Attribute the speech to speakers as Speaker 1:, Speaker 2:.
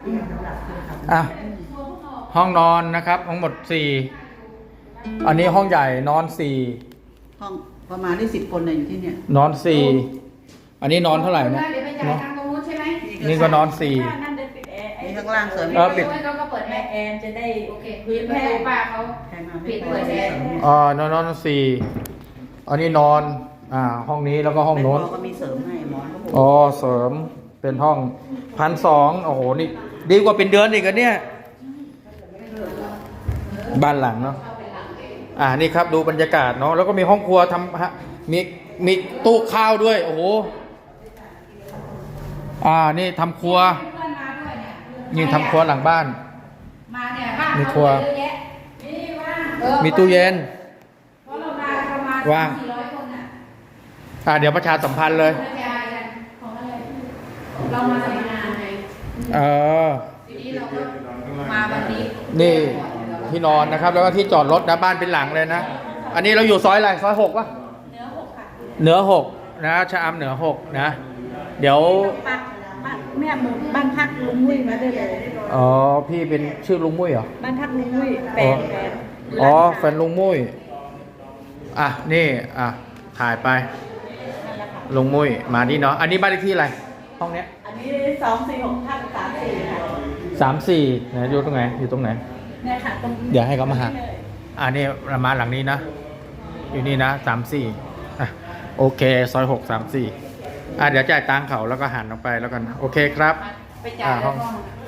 Speaker 1: อ่ะห้องนอนนะครับทั้งหมดสี่อันนี้ห้องใหญ่นอนสี่
Speaker 2: ห้องประมาณได้10 คนเนี่ยอยู่ที่เนี่ย
Speaker 1: นอนสี่อันนี้นอนเท่าไหร่นะนี่ก็นอนสี่
Speaker 2: นี่ข้างล่างเสริม
Speaker 1: ปิด
Speaker 3: ก็เปิดแอร์จะได้โอเคพื้นแม่ป้าเขาปิดเปิดแอร์
Speaker 1: นอนสี่อันนี้นอนห้องนี้แล้วก็ห้องโน้น
Speaker 2: ก็มีเสริมให้หมอน
Speaker 1: เสริมเป็นห้อง1,200โอ้โหนี่ดีกว่าเป็นเดือนอีกอันเนี่ยบ้านหลังเนาะนี่ครับดูบรรยากาศเนาะแล้วก็มีห้องครัวมีตู้ข้าวด้วยโอ้โหนี่ทำครัวนี่ทำครัวหลังบ้านมีครัวมีตู้เย็นว่างเดี๋ยวประชาสัมพันธ์เลย
Speaker 3: เรามาทำงานไงทีนี้เราก็มาวันนี้
Speaker 1: นี่ที่นอนนะครับแล้วก็ที่จอดรถนะบ้านเป็นหลังเลยนะอันนี้เราอยู่ซอยอะไรซอย6ป่ะเหนือ6นะชะอำเหนือ6นะเดี๋ยว
Speaker 2: แม่บ้านพักลุงมุ้ยมาได้เลย
Speaker 1: พี่เป็นชื่อลุงมุ้ยเหรอ
Speaker 2: บ้านพักลุงมุ้ยแฟน
Speaker 1: แฟนลุงมุ้ยนี่ถ่ายไปลุงมุ้ยมานี่เนาะอันนี้บ้านเลขที่อะไรห้องเนี้ย
Speaker 2: อันนี้246ทับ34ค่ะ
Speaker 1: 34นะอยู่ตรงไหน
Speaker 2: เนี่ยค่ะตรง
Speaker 1: เดี๋ยวให้เขามาหานี่มาหลังนี้นะอยู่นี่นะ34โอเคซอย6 34เดี๋ยวจ่ายตังค์เขาแล้วก็หันออกไปแล้วกันโอเคครับ
Speaker 3: ไปจ่ายห้อง